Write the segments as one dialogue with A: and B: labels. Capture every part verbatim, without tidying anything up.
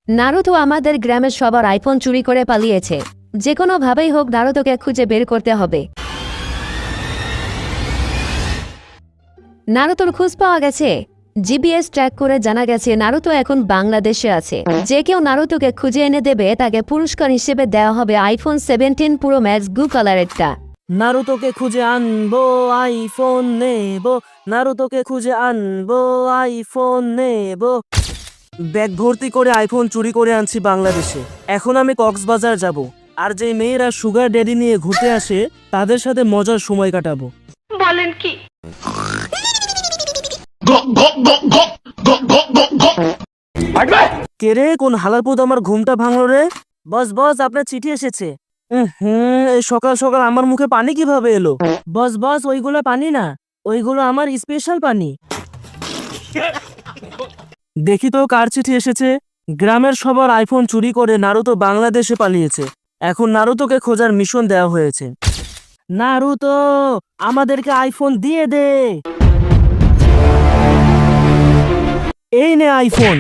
A: Naruto আমাদের গ্রামের সবার আইফোন চুরি করে পালিয়েছে। যে কোনো ভাবেই হোক নারুতোকে খুঁজে বের করতে হবে। নারুতোর খোঁজ পাওয়া গেছে। জিপিএস ট্র্যাক করে জানা গেছে নারুতো এখন বাংলাদেশে আছে। যে কেউ নারুতোকে খুঁজে এনে দেবে তাকে পুরস্কার হিসেবে দেওয়া হবে iPhone seventeen pro max blue কালারেরটা।
B: নারুতোকে খুঁজে আনবো আইফোন নেবো, নারুতোকে খুঁজে আনবো আইফোন নেবো। ব্যাগ ভর্তি করে আইফোন চুরি করে আনছি বাংলাদেশে। এখন আমি কক্সবাজার যাব, আর যে মেয়েরা সুগার ড্যাডি নিয়ে ঘুরতে আসে তাদের সাথে মজার সময় কাটাবো।
C: বলেন কি?
B: কে রে, কোন হালারপুত আমার ঘুমটা ভাঙলো রে? বস বস, আপনার চিঠি এসেছে। হুম, এই সকাল সকাল আমার মুখে পানি কিভাবে এলো? বস বস, ওইগুলো পানি না, ওইগুলো আমার স্পেশাল পানি। দেখি তো কার চিঠি এসেছে। গ্রামের সবার আইফোন চুরি করে নারুতো বাংলাদেশে পালিয়েছে। এখন নারুতোকে খোঁজার মিশন দেওয়া হয়েছে। নারুতো, আমাদেরকে আইফোন দিয়ে দে। এই নে আইফোন,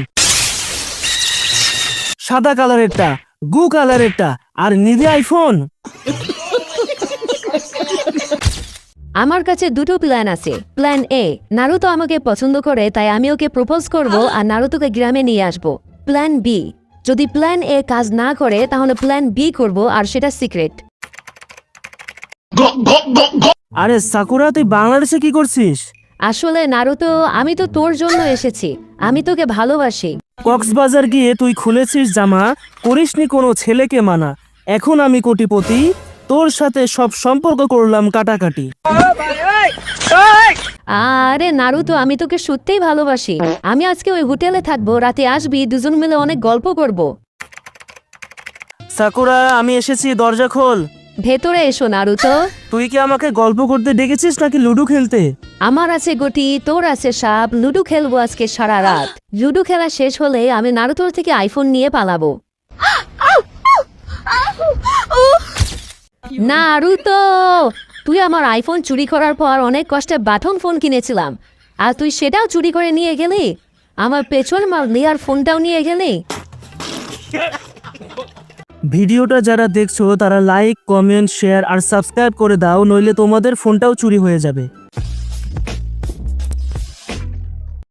B: সাদা কালারেরটা, গু কালারেরটা, আর নিবি আইফোন।
A: আমার কাছে দুটো প্ল্যান আছে। প্ল্যান এ, নারুতো আমাকে পছন্দ করে তাই আমি ওকে প্রপোজ করব আর নারুতোকে গ্রামে নিয়ে আসব। প্ল্যান বি, যদি প্ল্যান এ কাজ না করে তাহলে প্ল্যান বি করব, আর সেটা সিক্রেট।
B: আরে সাকুরা, তুই বাংলাদেশে কি করছিস?
A: আসলে নারুতো, আমি তো তোর জন্য এসেছি। আমি তোকে ভালোবাসি।
B: কক্সবাজার গিয়ে তুই খুলেছিস জামা, করিসনি কোনো ছেলেকে মানা। এখন আমি কোটিপতি, তোর সাথে সব সম্পর্ক করলাম কাটাকাটি।
A: আরে নারুতো, আমি তোকে সত্যিই ভালোবাসি। আমি আজকে ওই হোটেলে থাকবো, রাতে আসবি, দুজন মিলে অনেক গল্প করব।
B: সাকুরা, আমি এসেছি, দরজা খোল।
A: ভেতরে এসো নারুতো।
B: তুই কি আমাকে গল্প করতে ডেকেছিস নাকি লুডো খেলতে?
A: আমার আছে গটি, তোর আছে সাপ, লুডো খেলবো আজকে সারা রাত। লুডো খেলা শেষ হলে আমি নারুতোর থেকে আইফোন নিয়ে পালাবো। নারুতো, তুই আমার আইফোন চুরি করার পর অনেক কষ্টে বাটন ফোন কিনেছিলাম, আর তুই সেটাও চুরি করে নিয়ে গেলি। আমার পেছন মাল নেওয়ার ফোনটাও নিয়ে গেলি।
B: ভিডিওটা যারা দেখছো তারা লাইক, কমেন্ট, শেয়ার আর সাবস্ক্রাইব করে দাও, নইলে তোমাদের ফোনটাও চুরি হয়ে যাবে।